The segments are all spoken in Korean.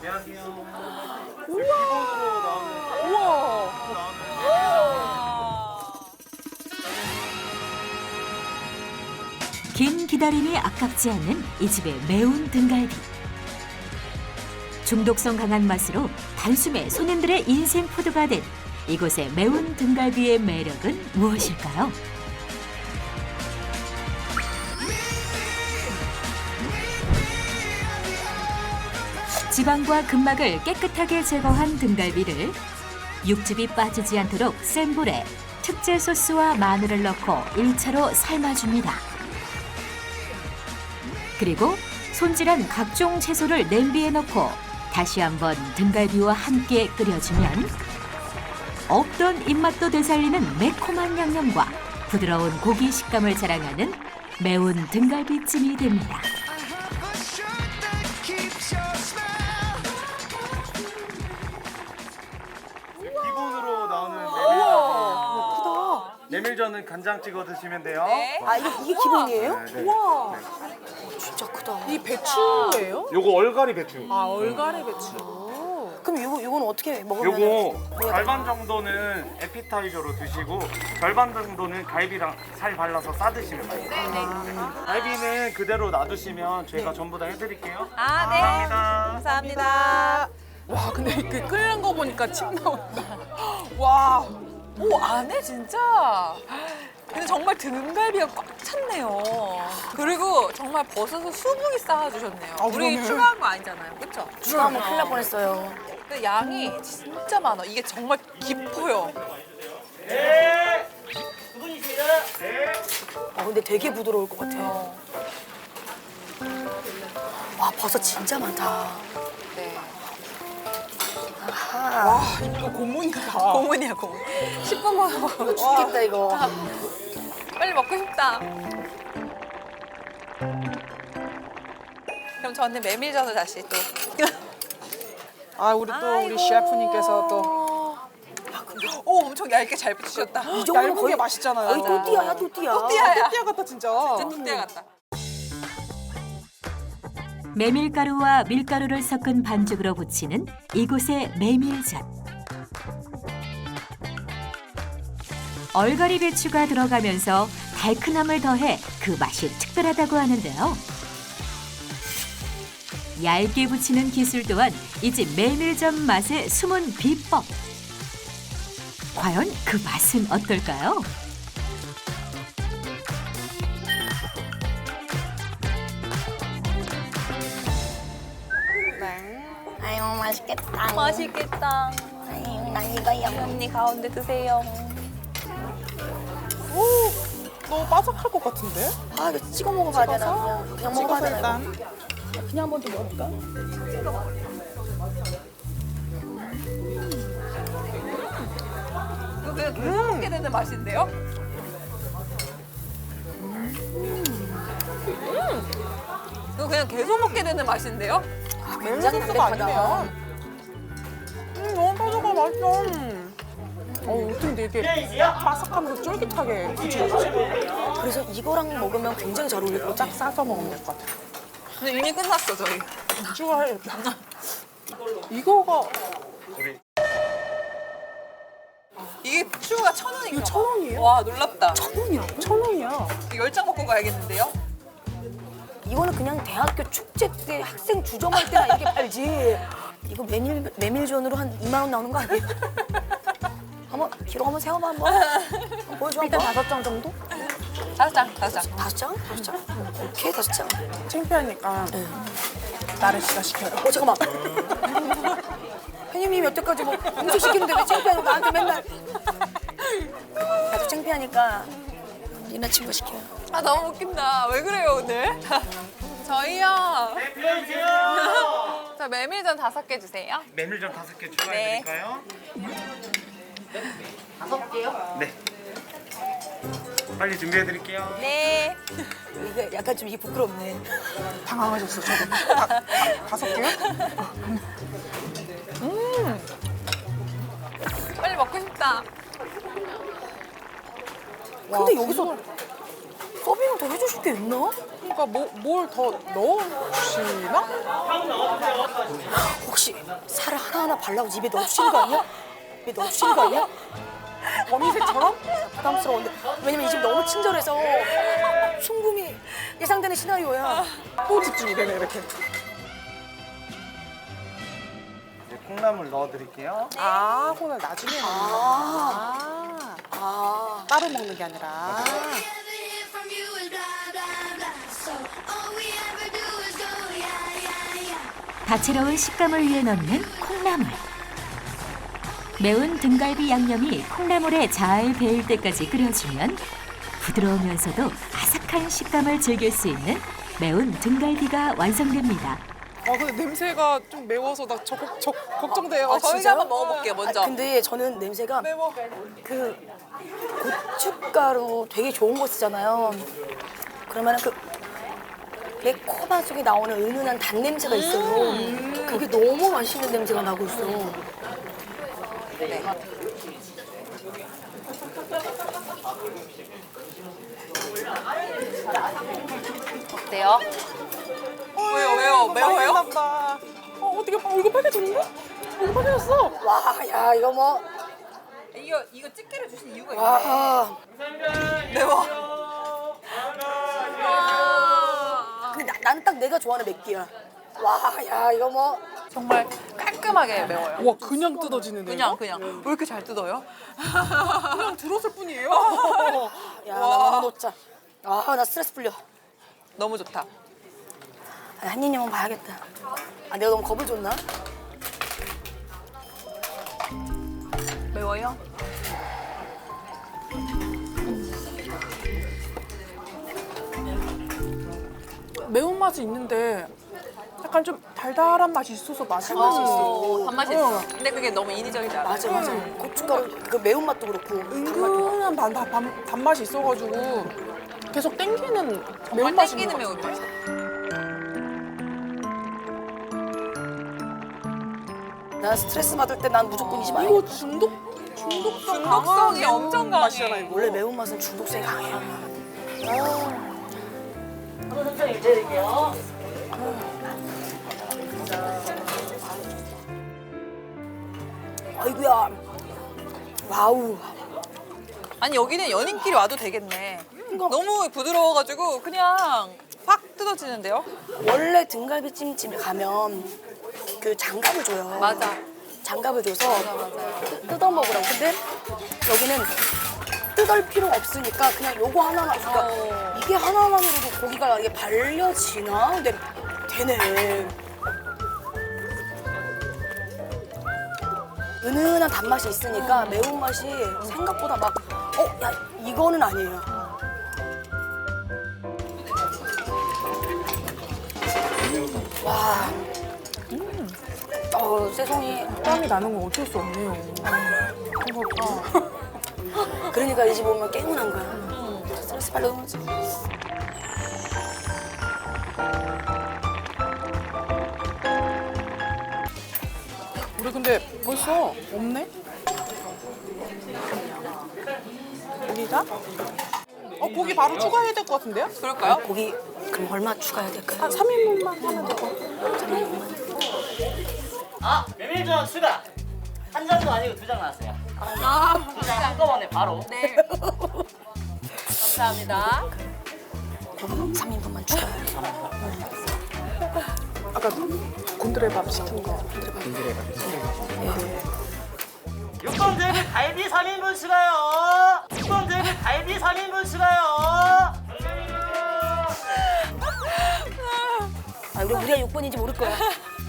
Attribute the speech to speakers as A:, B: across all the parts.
A: 긴 기다림이 아깝지 않는 이 집의 매운 등갈비. 중독성 강한 맛으로 단숨에 손님들의 인생 푸드가 된 이곳의 매운 등갈비의 매력은 무엇일까요? 지방과 근막을 깨끗하게 제거한 등갈비를 육즙이 빠지지 않도록 센 불에 특제 소스와 마늘을 넣고 1차로 삶아줍니다. 그리고 손질한 각종 채소를 냄비에 넣고 다시 한번 등갈비와 함께 끓여주면 없던 입맛도 되살리는 매콤한 양념과 부드러운 고기 식감을 자랑하는 매운 등갈비찜이 됩니다.
B: 기본으로 나오는 메밀전은 간장 찍어 드시면 돼요.
C: 네.
D: 아, 이게 기본이에요?
B: 네, 네.
D: 우와. 진짜 크다.
C: 이 배추예요?
B: 요거 얼갈이 배추.
C: 아, 얼갈이 배추.
D: 그럼 요거는 어떻게 먹으면?
B: 요거 절반 정도는 에피타이저로 드시고 절반 정도는 갈비랑 살 발라서 싸 드시면 돼요. 갈비는 그대로 놔두시면 저희가 전부 다 해드릴게요.
E: 아, 네.
B: 감사합니다.
E: 감사합니다.
C: 와, 근데 이렇게 끓는 거 보니까 침 나온다. 와, 오, 안에 진짜. 근데 정말 등갈비가 꽉 찼네요. 그리고 정말 버섯을 수북이 쌓아주셨네요. 우리 그러네.
E: 추가한 거 아니잖아요. 그쵸?
D: 추가하면 큰일 날 뻔했어요.
E: 근데 양이 진짜 많아. 이게 정말 깊어요.
D: 근데 되게 부드러울 것 같아요. 와, 버섯 진짜 많다.
E: 네.
D: 아하.
C: 와, 이거 고문이다.
E: 고문이야, 고문. 10분만 먹어.
D: 죽겠다, 이거.
E: 빨리 먹고 싶다. 그럼 저는 메밀전을 다시 또.
C: 아, 우리 또 우리
E: 아이고.
C: 셰프님께서 또
E: 오, 엄청 얇게 잘 붙이셨다.
D: 이 정도면
C: 얇은 게 맛있잖아요.
D: 거의 또띠아야, 또띠아.
E: 또띠아야.
C: 띠아 같다 진짜.
E: 뚝대 같다.
A: 메밀가루와 밀가루를 섞은 반죽으로 부치는 이곳의 메밀전. 얼갈이 배추가 들어가면서 달큰함을 더해 그 맛이 특별하다고 하는데요. 얇게 부치는 기술 또한 이 집 메밀전 맛의 숨은 비법. 과연 그 맛은 어떨까요?
D: 아유, 맛있겠다.
E: 맛있겠다.
D: 아유, 난 이거야.
E: 언니 가운데 드세요.
C: 너무 바삭할 것 같은데?
D: 아, 이거 찍어 먹어봐야 되나? 그냥 먹어봐야
C: 찍어서
D: 되나?
C: 일단.
D: 그냥 한 번 더 먹어볼까?
E: 이거 그냥 계속 먹게 되는 맛인데요? 이거 그냥 계속 먹게 되는 맛인데요?
C: 메밀
D: 굉장히
C: 소스가
D: 담백하다.
C: 아니면. 너무 바삭하 맛있어. 어떻게 이렇게 바삭하면서 쫄깃하게 부치지?
D: 그래서 이거랑 먹으면 굉장히 잘 어울릴 것 같아.
C: 쫙 싸서 먹으면 될 것 같아.
E: 근데 이미 끝났어, 저희.
C: 추가해야겠다. 이거가
E: 이게 추가 1,000원인가?
C: 이거 1,000원이에요?
E: 와, 놀랍다.
C: 1,000원이야. 1,000원이야.
E: 10장 먹고 가야겠는데요?
D: 이거는 그냥 대학교 축제 때 학생 주점할 때나 이렇게 팔지. 이거 메밀전으로 한 2만 원 나오는 거 아니에요? 한번 기록 한번 세워봐 한번. 보여줘 일단 5장 정도?
E: 5장, 5장.
D: 5장? 5장? 오케이 5장.
C: 창피하니까 나를 씨가 시켜요.
D: 잠깐만. 회님이 여태까지 뭐 음식 시키는데 왜 창피하고 나한테 맨날. 나도 창피하니까 니나 친구 시켜요.
E: 아, 너무 웃긴다. 왜 그래요, 오늘? 저희요.
B: 네, 빌려주세요.
E: 저 메밀전 5개 주세요.
B: 메밀전 5개 추가해드릴까요?
D: 5개요?
B: 네. 빨리 준비해드릴게요.
E: 네.
D: 이게 약간 좀 이게 부끄럽네.
C: 당황하셨어, 저도. 5개요?
E: 빨리 먹고 싶다.
D: 근데 여기서 서빙을 더 해주실 게 있나?
C: 그러니까 뭘 더 넣어주시나?
D: 혹시 하나하나 발라고 입에 넣어주시는 거 아니야? 입에 넣어주시는 거 아니야? 범인색처럼? 부담스러운데 왜냐면 이 집 너무 친절해서 순금이 예상되는 시나리오야.
C: 또 집중이 되네 이렇게.
B: 이제 콩나물 넣어드릴게요.
C: 아, 콩을 나중에 먹는 거야. 따로 먹는 게 아니라.
F: from you is blah blah blah. So all we ever do is go yeah yeah yeah.
A: 다채로운 식감을 위해 넣는 콩나물. 매운 등갈비 양념이 콩나물에 잘 배일 때까지 끓여주면 부드러우면서도 아삭한 식감을 즐길 수 있는 매운 등갈비가 완성됩니다.
C: 근데 냄새가 좀 매워서 나 걱정돼요.
E: 저희가 한번 먹어볼게요, 먼저.
D: 근데 저는 냄새가
C: 매워.
D: 그 고춧가루 되게 좋은 거 쓰잖아요. 그러면 그 매콤한 속에 나오는 은은한 단 냄새가 있어요. 그게 너무 맛있는 냄새가 나고 있어.
E: 어때요? 왜요? 매워요?
C: 나 어떻게 얼굴 빨개졌는데? 얼굴 빨개졌어.
D: 와, 야, 이거 뭐.
E: 이거 집게를 주신 이유가 있나요?
D: 와.
E: 매워.
D: 근데 나는 딱 내가 좋아하는 맵기야. 와, 야, 이거 뭐.
E: 정말 깔끔하게 매워요.
C: 와, 그냥 뜯어지는데.
E: 그냥 왜 이렇게 잘 뜯어요?
C: 그냥 들었을 뿐이에요.
D: 야, 나 너무 놓자. 아, 나 스트레스 풀려.
E: 너무 좋다.
D: 한입만 봐야겠다. 아, 내가 너무 겁을 줬나?
E: 매워요?
C: 매운맛이 있는데 약간 좀 달달한 맛이 있어서 맛있는 맛이 있어.
E: 단맛이 있어. 근데 그게 너무 인위적이지 않아?
D: 맞아, 맞아. 고춧가루 그 매운맛도 그렇고.
C: 은근한 단맛이 있어가지고 계속 땡기는
E: 정말
C: 매운맛인
E: 땡기는
C: 것 같아.
E: 매운맛.
D: 나 스트레스 받을 때 난 무조건 이 집 아니야.
C: 이거 중독성이
E: 중독성이 엄청 강해.
C: 맛이잖아 이거.
D: 원래 매운맛은 중독성이 강해요. 아이고야. 와우.
E: 아니 여기는 연인끼리 와도 되겠네. 너무 부드러워가지고 그냥 확 뜯어지는데요?
D: 원래 등갈비찜집에 가면 그 장갑을 줘요.
E: 맞아.
D: 장갑을 줘서 뜯어 먹으라고. 근데 여기는 뜯을 필요 없으니까 그냥 요거 하나만. 그러니까 이게 하나만으로도 고기가 이게 발려지나? 근데 되네. 은은한 단맛이 있으니까 매운맛이 생각보다 막 야, 이거는 아니에요. 와. 세송이.
C: 땀이 나는 건 어쩔 수 없네요.
D: 그러니까 이 집 오면 깨운한 거야. 스트레스 받는 거지.
C: 우리 근데 벌써 없네? 고기가? 고기 바로 추가해야 될 것 같은데요?
E: 그럴까요?
D: 고기 그럼 얼마 추가해야 될까요?
C: 한 3인분만 하면 되고.
G: 메밀전 추가 한 장도 아니고 2장 나왔어요. 2장 한꺼번에 바로.
E: 네. 감사합니다.
D: 고기 3인분만 추가해야 돼.
C: 아까 곤드레밥 시킨 거.
G: 6번 대비 갈비 3인분 추가요. 6번 대비 갈비 3인분 추가요.
D: 아, 우리가 6번인지 모를 거야.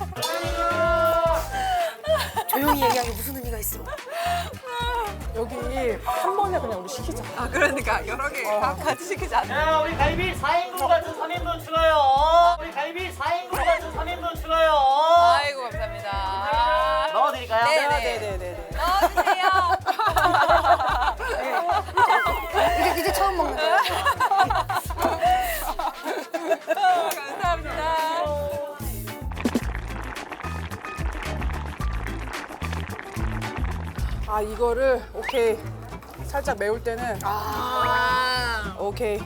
D: 조용히 얘기하는 게 무슨 의미가 있어.
C: 여기 한 번에 그냥 우리 시키자.
E: 아 그러니까 여러 개 다 같이 시키지 않나?
G: 자, 우리 갈비 4인분 같은 3인분 추가요. 우리 갈비 4인분 같은 3인분 추가요.
E: 아이고 감사합니다.
G: 넣어드릴까요?
E: 네네. 넣어주세요.
D: 이제 처음 먹는 거야.
E: 감사합니다.
C: 아, 이거를 오케이. 살짝 매울 때는 오케이.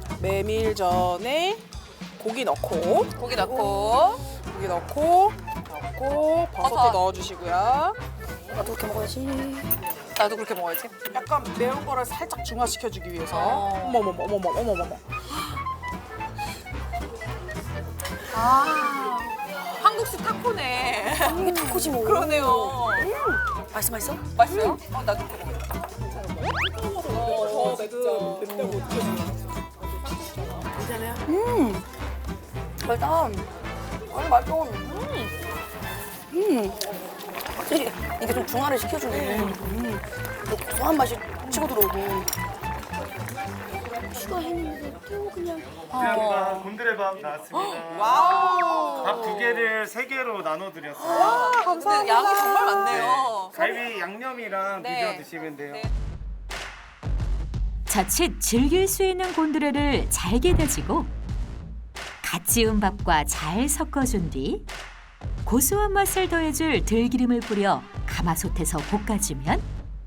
C: 메밀전에 고기 넣고
E: 고기 넣고
C: 고기 넣고
E: 넣고 버섯도
C: 버섯.
E: 넣어주시고요.
D: 나도 그렇게 먹어야지.
C: 나도 그렇게 먹어야지.
E: 약간 매운 거를 살짝 중화시켜주기 위해서.
C: 어.
E: 어머머머.
C: 한국식 타코네.
D: 이게 타코지 뭐.
C: 그러네요.
D: 맛있어?
C: 맛있어요? 나도 그렇게 먹어야겠다.
D: 맛있다. 아니 맛있어. 확실히 이게 좀 중화를 시켜주네. 고소한 맛이 치고 들어오고. 추가했는데 또 그냥.
B: 그냥 곤드레밥 나왔습니다.
C: 와우.
B: 밥 2개를 3개로 나눠드렸어요.
C: 근데 양이 정말 많네요.
B: 갈비 양념이랑
C: 네.
B: 비벼 드시면 돼요.
C: 네.
A: 자칫 즐길 수 있는 곤드레를 잘게 다지고 갓 지은 밥과 잘 섞어준 뒤 고소한 맛을 더해줄 들기름을 뿌려 가마솥에서 볶아주면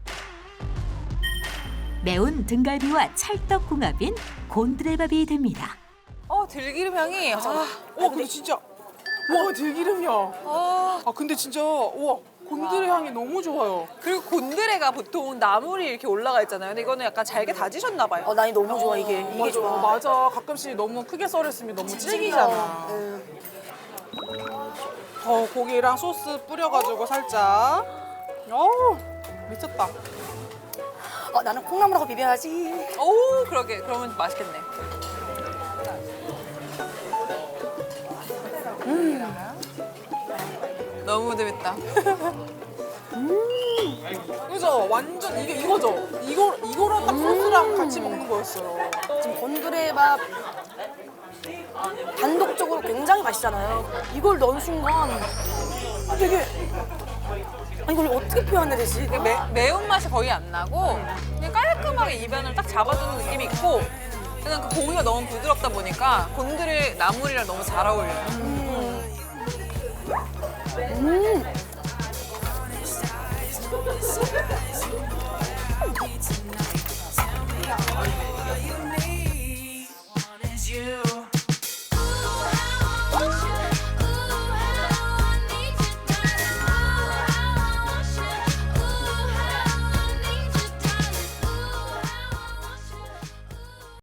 A: 매운 등갈비와 찰떡궁합인 곤드레밥이 됩니다.
C: 들기름 향이.
E: 근데 진짜 와 들기름이야. 근데 진짜 와 곤드레 향이 너무 좋아요.
C: 그리고 곤드레가 보통 나물이 이렇게 올라가 있잖아요. 근데 이거는 약간 잘게 다지셨나 봐요.
D: 난이 너무 좋아 이게. 이게 좋아.
E: 맞아. 가끔씩 너무 크게 썰었으면 너무 질기잖아. 고기랑 소스 뿌려가지고 살짝. 어우 미쳤다.
D: 나는 콩나물하고 비벼야지.
C: 오, 그러게. 그러면 맛있겠네. 너무 재밌다.
E: 그죠? 완전 이거죠? 이거랑 딱 소스랑 같이 먹는 거였어요.
D: 지금 곤드레밥 단독적으로 굉장히 맛있잖아요. 이걸 넣은 순간 되게 이걸 어떻게 표현해야 되지?
C: 매운맛이 거의 안 나고 그냥 깔끔하게 입안을 딱 잡아주는 느낌이 있고 그냥 그 고기가 너무 부드럽다 보니까 곤드레 나물이랑 너무 잘 어울려요.